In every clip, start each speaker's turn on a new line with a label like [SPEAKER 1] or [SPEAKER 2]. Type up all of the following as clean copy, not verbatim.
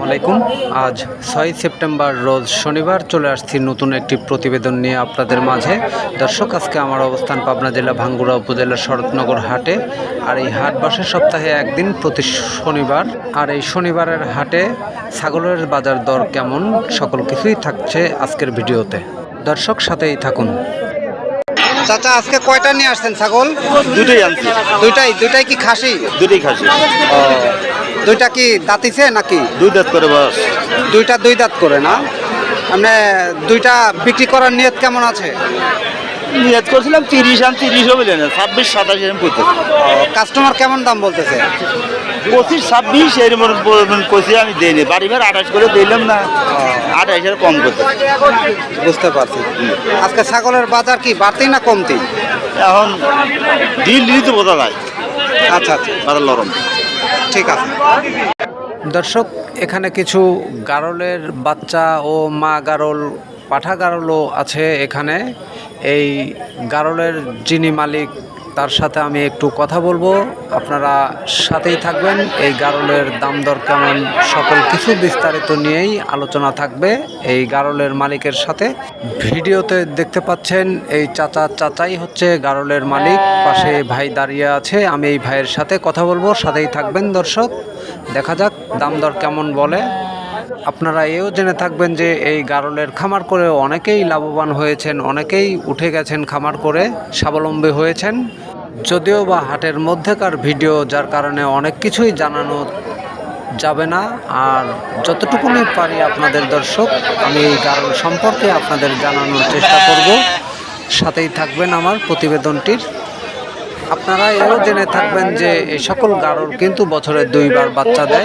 [SPEAKER 1] আলাইকুম। আজ 6 সেপ্টেম্বর রোজ শনিবার চলে আসছি নতুন একটি প্রতিবেদন নিয়ে আপনাদের মাঝে। দর্শক, আজকে আমার অবস্থান পাবনা জেলা ভাঙ্গুড়া উপজেলার শরৎনগর হাটে। আর এই হাট বসে সপ্তাহে একদিন প্রতি শনিবার। আর এই শনিবারের হাটে ছাগলের বাজার দর কেমন সকল কিছুই থাকছে আজকের ভিডিওতে। দর্শক, সাথেই থাকুন। চাচা, আজকে কয়টা নিয়ে আসছেন ছাগল?
[SPEAKER 2] দুটোই আনছি।
[SPEAKER 1] দুইটাই কি খাসি?
[SPEAKER 2] দুটোই খাসি।
[SPEAKER 1] দুইটা কি দাঁতিছে নাকি?
[SPEAKER 2] দুই দাঁত করে বাস।
[SPEAKER 1] দুই দাঁত করে না? মানে দুইটা বিক্রি করার নিয়ত কেমন আছে?
[SPEAKER 2] নিয়ত করছিলাম 30, 30ও বলে না, 26, 27 এরকম করতেছে।
[SPEAKER 1] কাস্টমার কেমন দাম বলতেছে?
[SPEAKER 2] 25, 26 এরকম কইছি, আমি দেইনি। বাড়িবার 28 করে দিলাম না, 28 এর কম করতে।
[SPEAKER 1] বুঝতে পারছি। আজকে ছাগলের বাজার কি বাড়তি না কমতি?
[SPEAKER 2] এখন ডিল তো বোঝা যায়।
[SPEAKER 1] আচ্ছা,
[SPEAKER 2] বাজার নরম।
[SPEAKER 1] ঠিক আছে। দর্শক, এখানে কিছু গারলের বাচ্চা ও মা গারল, পাঠা গারলও আছে এখানে। এই গারলের যিনি মালিক, তার সাথে আমি একটু কথা বলবো, আপনারা সাথেই থাকবেন। এই গারলের দাম দর কেমন সকল কিছু বিস্তারিত নিয়েই আলোচনা থাকবে এই গারলের মালিকের সাথে। ভিডিওতে দেখতে পাচ্ছেন এই চাচাই হচ্ছে গারলের মালিক। পাশে ভাই দাঁড়িয়ে আছে, আমি এই ভাইয়ের সাথে কথা বলবো, সাথেই থাকবেন দর্শক। দেখা যাক দাম দর কেমন বলে। আপনারা এও জেনে থাকবেন যে এই গারলের খামার করে অনেকেই লাভবান হয়েছেন, অনেকেই উঠে গেছেন খামার করে, স্বাবলম্বী হয়েছেন। যদিও বা হাটের মধ্যেকার ভিডিও, যার কারণে অনেক কিছুই জানানো যাবে না। আর যতটুকুনি পারি আপনাদের দর্শক, আমি এই গারল সম্পর্কে আপনাদের জানানোর চেষ্টা করব। সাথেই থাকবেন আমার প্রতিবেদনটির। আপনারা এও জেনে থাকবেন যে এই সকল গারল কিন্তু বছরে 2 বার বাচ্চা দেয়।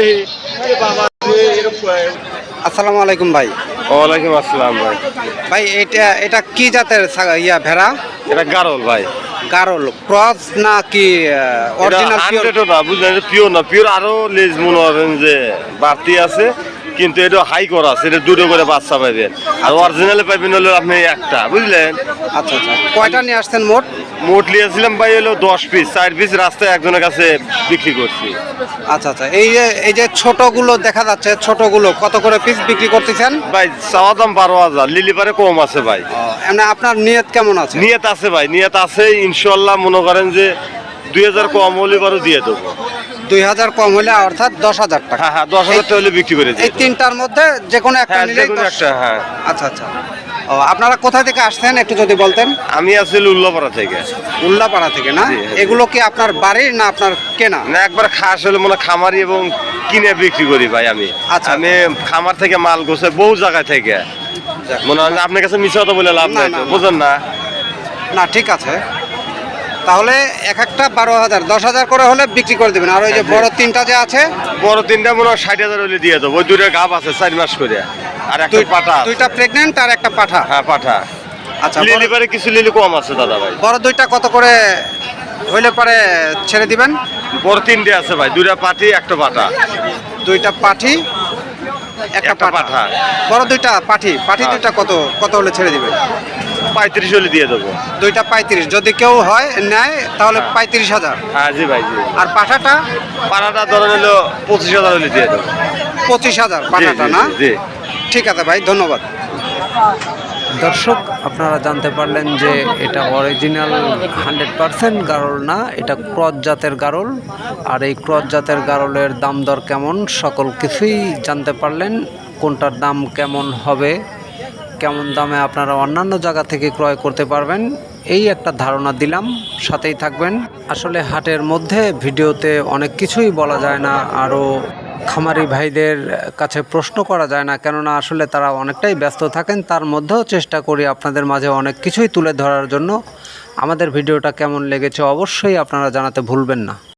[SPEAKER 1] আসসালামু আলাইকুম ভাই।
[SPEAKER 2] ওয়ালাইকুম আসসালাম ভাই।
[SPEAKER 1] ভাই, এটা কি জাতের ভেড়া?
[SPEAKER 2] এটা গারল ভাই।
[SPEAKER 1] গারল ক্রস না কি অরিজিনাল?
[SPEAKER 2] পিওর না, পিওর আরো লেজ মনে করেন যে বাড়তি আছে, কিন্তু এটা হাই করা আছে। এটা দুটো করে বাচ্চা পাইবেন, আর অরিজিনালে পাইবেন হলো আপনি একটা, বুঝলেন?
[SPEAKER 1] আচ্ছা। কয়টা নিয়ে আসছেন মোট?
[SPEAKER 2] মোট নিয়েছিলাম ভাই হলো 10 পিস, 4 পিস রাস্তায় একজনের কাছে বিক্রি করছি।
[SPEAKER 1] আচ্ছা। এই যে ছোটগুলো দেখা যাচ্ছে, ছোটগুলো কত করে পিস বিক্রি করতেছেন?
[SPEAKER 2] ভাই চাওয়া দাম 12,000, লিলিপারে কম আছে ভাই।
[SPEAKER 1] মানে আপনার নিয়ত কেমন আছে?
[SPEAKER 2] নিয়ত আছে ভাই, নিয়ত আছে ইনশাল্লাহ। মনে করেন যে 2000 কম হলে বারো দিয়ে দেবো।
[SPEAKER 1] 2000 কম হলে অর্থাৎ 10,000 টাকা?
[SPEAKER 2] হ্যাঁ, 10,000 টাকা হলে বিক্রি করে দিই।
[SPEAKER 1] এই তিনটার মধ্যে যে কোনো একটা নিলে?
[SPEAKER 2] একটা, হ্যাঁ।
[SPEAKER 1] আচ্ছা। আপনারা কোথা থেকে আসছেন একটু যদি বলতেন?
[SPEAKER 2] আমি আছি উল্লাপাড়া থেকে।
[SPEAKER 1] উল্লাপাড়া থেকে না? এগুলো কি আপনার বাড়ির না আপনার কেনা?
[SPEAKER 2] না, একবার খাস হলে মনে খামারি এবং কিনে বিক্রি করি ভাই আমি।
[SPEAKER 1] আচ্ছা।
[SPEAKER 2] আমি খামার থেকে মাল গোছে বহু জায়গায় থেকে। মনে হয় আপনার কাছে মিশা তো বলে লাভ নাই, বুঝেন না?
[SPEAKER 1] না, ঠিক আছে। তাহলে এক একটা 12,000, 10,000 করে হলে বিক্রি করে দেবেন। আর ওই যে বড় তিনটা যে আছে?
[SPEAKER 2] বড় তিনটা মনে হয় 60,000 হলে দিয়ে দেবো। ওই দুইটা গাব আছে 4 মাস করে, আর একটা পাঠা।
[SPEAKER 1] দুইটা প্রেগনেন্ট আর একটা পাঠা?
[SPEAKER 2] হ্যাঁ, পাঠা।
[SPEAKER 1] আচ্ছা।
[SPEAKER 2] লিলিপারে কিছু লিলি কম আছে দাদা ভাই।
[SPEAKER 1] বড় দুইটা কত করে হইলে পরে ছেড়ে দিবেন?
[SPEAKER 2] বড় তিনটে আছে ভাই, দুইটা পাঠি একটা পাঠা।
[SPEAKER 1] দুইটা পাঠি একটা পাঠা। বড় দুইটা পাঠি দুইটা কত হলে ছেড়ে দিবেন?
[SPEAKER 2] 35 হলে দিয়ে দেবো।
[SPEAKER 1] দুইটা 35, যদি কেউ হয় নেয় তাহলে 35,000?
[SPEAKER 2] হ্যাঁ জি ভাই, জি।
[SPEAKER 1] আর পাঠাটা?
[SPEAKER 2] পাঠাটা ধরেন হলো 25,000 হলে দিয়ে দেবো।
[SPEAKER 1] 25,000 পাঠাটা না?
[SPEAKER 2] জি।
[SPEAKER 1] ঠিক আছে ভাই, ধন্যবাদ। দর্শক, আপনারা জানতে পারলেন যে এটা অরিজিনাল 100% গারল না, এটা ক্রস জাতের গারল। আর এই ক্রস জাতের গারলের দাম দর কেমন সকল কিছুই জানতে পারলেন। কোনটার দাম কেমন হবে, কেমন দামে আপনারা অন্যান্য জায়গা থেকে ক্রয় করতে পারবেন, এই একটা ধারণা দিলাম। সাথেই থাকবেন। আসলে হাটের মধ্যে ভিডিওতে অনেক কিছুই বলা যায় না, আরও খামারি ভাইদের কাছে প্রশ্ন করা যায় না, কেননা আসলে তারা অনেকটাই ব্যস্ত থাকেন। তার মধ্যেও চেষ্টা করি আপনাদের মাঝে অনেক কিছুই তুলে ধরার জন্য। আমাদের ভিডিওটা কেমন লেগেছে অবশ্যই আপনারা জানাতে ভুলবেন না।